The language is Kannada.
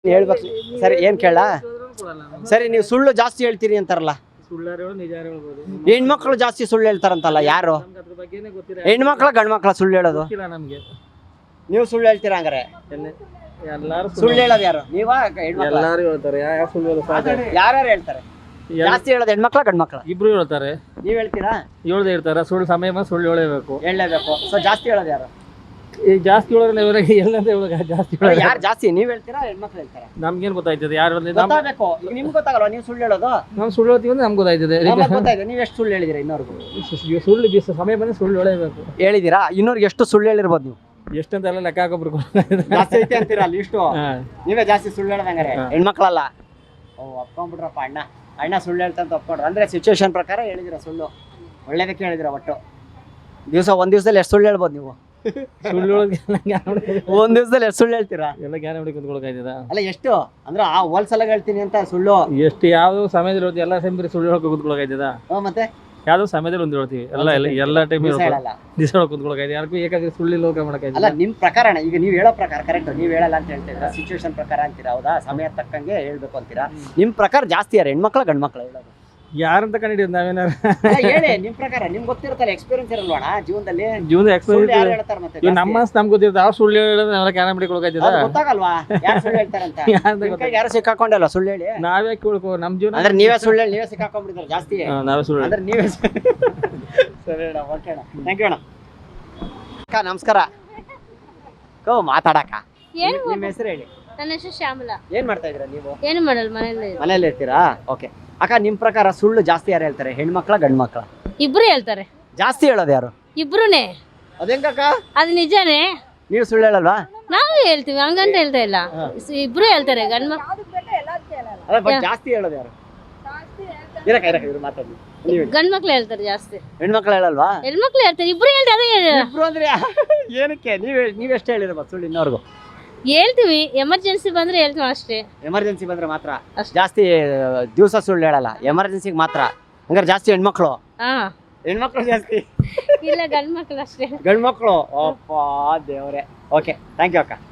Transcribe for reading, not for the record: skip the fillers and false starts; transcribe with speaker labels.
Speaker 1: ಹೇಳ್ಬೇಕು ಸರಿ ಏನ್ ಕೇಳ ಸರಿ ನೀವು ಸುಳ್ಳು ಜಾಸ್ತಿ ಹೇಳ್ತೀರಿ ಅಂತಾರಲ್ಲ ಹೆಣ್ಮಕ್ಳು ಜಾಸ್ತಿ ಸುಳ್ಳು ಹೇಳ್ತಾರಂತಲ್ಲ ಯಾರು ಹೆಣ್ಮಕ್ಳ ಗಂಡ್ಮಕ್ಳ ಸುಳ್ಳು ಹೇಳೋದು ನೀವು ಸುಳ್ಳು ಹೇಳ್ತೀರಾ ಹಂಗಾರೆ ಸುಳ್ಳು ಹೇಳೋದು ಯಾರು ನೀವಾ ಯಾರ್ಯಾರು ಹೇಳ್ತಾರೆ ಜಾಸ್ತಿ ಹೇಳೋದು ಹೆಣ್ಮಕ್ಳ ಗಂಡ್ಮಕ್ಳ
Speaker 2: ಇಬ್ರು ಹೇಳ್ತಾರೆ
Speaker 1: ನೀವ್ ಹೇಳ್ತೀರಾ
Speaker 2: ಹೇಳ್ದೆ ಇರ್ತಾರೆ ಸುಳ್ಳು ಸಮಯ ಬಂದು ಸುಳ್ಳು ಹೇಳಬೇಕು
Speaker 1: ಸೊ ಜಾಸ್ತಿ ಹೇಳೋದು ಯಾರು
Speaker 2: ಈ ಜಾಸ್ತಿ ಹೇಳೋದ್ರೆ ಎಲ್ಲಂತ ಹೇಳೋದು ಜಾಸ್ತಿ ಹೇಳೋದು
Speaker 1: ಯಾರು ಜಾಸ್ತಿ ನೀವ್ ಹೇಳ್ತೀರಾ ಹೆಣ್ಮಕ್ಳು ಹೇಳ್ತಾರ
Speaker 2: ನಮ್ಗೇನ್ ಗೊತ್ತಾಯ್ತದೆ ಯಾರು
Speaker 1: ಗೊತ್ತಾಗಬೇಕು ಈಗ ನಿಮ್ಗೆ ಗೊತ್ತಾಗಲ್ವಾ ನೀವು ಸುಳ್ಳು ಹೇಳೋದು
Speaker 2: ನಾವು ಸುಳ್ಳು ಹೇಳ್ತೀವಿ ಅಂದ್ರೆ ನಮ್ಗೆ ಗೊತ್ತಾಯ್ತದೆ
Speaker 1: ಗೊತ್ತಾಯ್ತು ನೀವು ಎಷ್ಟು ಸುಳ್ಳು ಹೇಳಿದಿರಾ ಇನ್ನೋರ್ಗು
Speaker 2: ಸುಳ್ಳು ಸಮಯ ಬಂದು ಸುಳ್ಳು ಹೇಳಬೇಕು
Speaker 1: ಹೇಳಿದಿರಾ ಇನ್ನೋರ್ಗೆ ಎಷ್ಟು ಸುಳ್ಳು ಹೇಳಿರ್ಬೋದು ನೀವು
Speaker 2: ಎಷ್ಟಂತ ಎಲ್ಲ ಲೆಕ್ಕ ಹಾಕೋಬ್ರು
Speaker 1: ಜಾಸ್ತಿ ಐತೆ ಅಂತೀರಾ ಅಲ್ಲಿ ಇಷ್ಟು ನೀವೇ ಜಾಸ್ತಿ ಸುಳ್ಳು ಹೇಳದಂಗಾರೆ ಹೆಣ್ಮಕ್ಳಲ್ಲ ಓ ಒಪ್ಕೊಂಡ್ಬಿಟ್ರಪ್ಪ ಅಣ್ಣ ಸುಳ್ಳು ಹೇಳ್ತಂತ ಒಪ್ಕೊಂಡ್ರು ಅಂದ್ರೆ ಸಿಚುವೇಶನ್ ಪ್ರಕಾರ ಹೇಳಿದಿರ ಸುಳ್ಳು ಒಳ್ಳೇದಕ್ಕೆ ಹೇಳಿದಿರ ಒಟ್ಟು ಒಂದ್ ದಿವಸದಲ್ಲಿ ಎಷ್ಟು ಸುಳ್ಳು ಹೇಳ್ಬೋದು ನೀವು
Speaker 2: ಸುಳ್ಳು
Speaker 1: ಒಂದ್ ದಿವಸದಲ್ಲಿ ಎಷ್ಟು ಸುಳ್ಳು ಹೇಳ್ತೀರಾ
Speaker 2: ಎಲ್ಲ ಜ್ಞಾನ ಮಾಡಿ ಕುತ್ಕೊಳಕಾಯ್ತದ
Speaker 1: ಅಲ್ಲ ಎಷ್ಟು ಅಂದ್ರೆ ಆ ಹೋಲ್ಸಲ ಹೇಳ್ತೀನಿ ಅಂತ ಸುಳ್ಳು
Speaker 2: ಎಷ್ಟು ಯಾವ್ದು ಸಮಯದಲ್ಲಿ ಹೇಳ್ತೀವಿ ಎಲ್ಲ ಟೈಮ್ ಸುಳ್ಳು ಹೇಳ್ಕೊ ಕುತ್ಕೊಳಕಾಯ್ತದ
Speaker 1: ಮತ್ತೆ
Speaker 2: ಯಾವ್ದೋ ಸಮಯದಲ್ಲಿ ಒಂದು ಹೇಳ್ತೀವಿ ಎಲ್ಲ ಟೈಮ್ ದಿವಸ ಕುತ್ಕೊಳಕಾಯ್ತು ಯಾರಿಗೂ ಏಕಾಗಿ ಸುಳ್ಳು ಲೋಕ ಮಾಡಕಾಯ್ತು
Speaker 1: ಅಲ್ಲ ನಿಮ್ ಪ್ರಕಾರ ಈಗ ನೀವ್ ಹೇಳೋ ಪ್ರಕಾರ ಕರೆಕ್ಟ್ ನೀವ್ ಹೇಳಲ್ಲ ಅಂತ ಹೇಳ್ತೀರಾ ಸಿಚುವೇಶನ್ ಪ್ರಕಾರ ಅಂತೀರಾ ಹೌದಾ ಸಮಯ ತಕ್ಕಂಗೆ ಹೇಳ್ಬೇಕು ಅಂತೀರಾ ನಿಮ್ ಪ್ರಕಾರ ಜಾಸ್ತಿ ಯಾರು ಹೆಣ್ಮಕ್ಳ ಗಂಡ್ಮಕ್ಳ ಹೇಳೋದು
Speaker 2: ಯಾರಂತ ಕಂಡಿದ್ದೀವಿ ನಾವೇನಾರು
Speaker 1: ಹೇಳಿ ನಿಮ್ ಪ್ರಕಾರ ನಿಮ್ಗೆ ಗೊತ್ತಿರುತ್ತಲ್ಲ ಎಕ್ಸ್ಪೀರಿಯನ್ಸ್ ಇರಲ್ವಣ ಜೀವನದಲ್ಲಿ
Speaker 2: ಜೀವನದ
Speaker 1: ಯಾರು ಹೇಳ್ತಾರೆ ಮತ್ತೆ
Speaker 2: ನಮ್ಮ ನಮ್ಗೆ ಗೊತ್ತಿರುತ್ತೆ ಅವ್ರು ಸುಳ್ಳು ಹೇಳೋದು ನಾವೆಲ್ಲ ಕ್ಯಾನ ಮಾಡಿಕೊಳಕಾಯ್ತದ
Speaker 1: ಗೊತ್ತಾಗಲ್ವಾ ಯಾರು ಸುಳ್ಳು ಹೇಳ್ತಾರಂತ ಯಾರು ಸಿಕ್ಕಾಕೊಂಡಲ್ಲ ಸುಳ್ಳು ಹೇಳಿ
Speaker 2: ನಾವೇ ಕೇಳ್ಕೋ ನಮ್ ಜೀವನ
Speaker 1: ಅಂದ್ರೆ ನೀವೇ ಸುಳ್ಳು ಹೇಳಿ ನೀವೇ ಸಿಕ್ಕಾಕೊಂಡ್ಬಿಡ್ತಾರೆ ಜಾಸ್ತಿ
Speaker 2: ನಾವೇ ಸುಳ್ಳು
Speaker 1: ಅಂದ್ರೆ ನೀವೇ ಸರಿ ಅಣ್ಣ ಓಕೆ ಅಣ್ಣ ಥ್ಯಾಂಕ್ ಯು ಅಣ್ಣ ಅಕ್ಕ ನಮಸ್ಕಾರ ಮಾತಾಡಕ್ಕ ನಿಮ್ಮ ಹೆಸರು ಹೇಳಿ
Speaker 3: ನನ್ನ ಹೆಸರು ಶ್ಯಾಮಲಾ.
Speaker 1: ಏನ್ ಮಾಡ್ತಾ ಇದೀರಾ ನೀವು
Speaker 3: ಏನು ಮಾಡಲ್ಲ
Speaker 1: ಮನೇಲಿ ಇರ್ತೀರಾ ಓಕೆ ಅಕ್ಕ ನಿಮ್ ಪ್ರಕಾರ ಸುಳ್ಳು ಜಾಸ್ತಿ ಯಾರು ಹೇಳ್ತಾರೆ ಹೆಣ್ಮಕ್ಳ ಗಂಡ್ಮಕ್ಳ
Speaker 3: ಇಬ್ರು ಹೇಳ್ತಾರೆ
Speaker 1: ಜಾಸ್ತಿ ಹೇಳೋದು ಯಾರು
Speaker 3: ಇಬ್ರುನೇ
Speaker 1: ಅದೇಂಗಕ್ಕ
Speaker 3: ಅದು ನಿಜಾನೇ
Speaker 1: ನೀವು ಸುಳ್ಳು ಹೇಳಲ್ವಾ
Speaker 3: ನಾವು ಹೇಳ್ತೀವಿ ಹಂಗಂತ ಹೇಳ್ತಾ ಇಲ್ಲ ಇಬ್ರು ಹೇಳ್ತಾರೆ
Speaker 1: ಜಾಸ್ತಿ ಹೇಳೋದು ಯಾರು ಇರು ಮಾತಾಡಿ
Speaker 3: ಗಂಡ್ಮಕ್ಳು ಹೇಳ್ತಾರೆ ಜಾಸ್ತಿ
Speaker 1: ಹೆಣ್ಮಕ್ಳು ಹೇಳಲ್ವಾ
Speaker 3: ಹೆಣ್ಮಕ್ಳು ಹೇಳ್ತಾರೆ ಇಬ್ರು ಹೇಳ್ತಾರೆ
Speaker 1: ಇಬ್ರು ಅಂದ್ರೆ ಏನಕ್ಕೆ ನೀವೆಷ್ಟು ಹೇಳಿರ್ಬೋದು ಸುಳ್ಳು ಇನ್ನೋರ್ಗು
Speaker 3: ಹೇಳ್ತೀವಿ ಎಮರ್ಜೆನ್ಸಿ ಬಂದ್ರೆ ಹೇಳ್ತೀವಿ ಅಷ್ಟೇ
Speaker 1: ಎಮರ್ಜೆನ್ಸಿ ಬಂದ್ರೆ ಮಾತ್ರ ಜಾಸ್ತಿ ದಿವಸ ಸುಳ್ಳು ಹೇಳಲ್ಲ ಎಮರ್ಜೆನ್ಸಿಗೆ ಮಾತ್ರ ಹಂಗಾರೆ ಜಾಸ್ತಿ ಹೆಣ್ಮಕ್ಳು ಹೆಣ್ಮಕ್ಳು ಜಾಸ್ತಿ
Speaker 3: ಇಲ್ಲ ಗಂಡ್ಮಕ್ಳು ಅಷ್ಟೇ
Speaker 1: ಗಂಡ್ಮಕ್ಳು ಅಪ್ಪ ದೇವ್ರೆ ಓಕೆ ಥ್ಯಾಂಕ್ ಯು ಅಕ್ಕ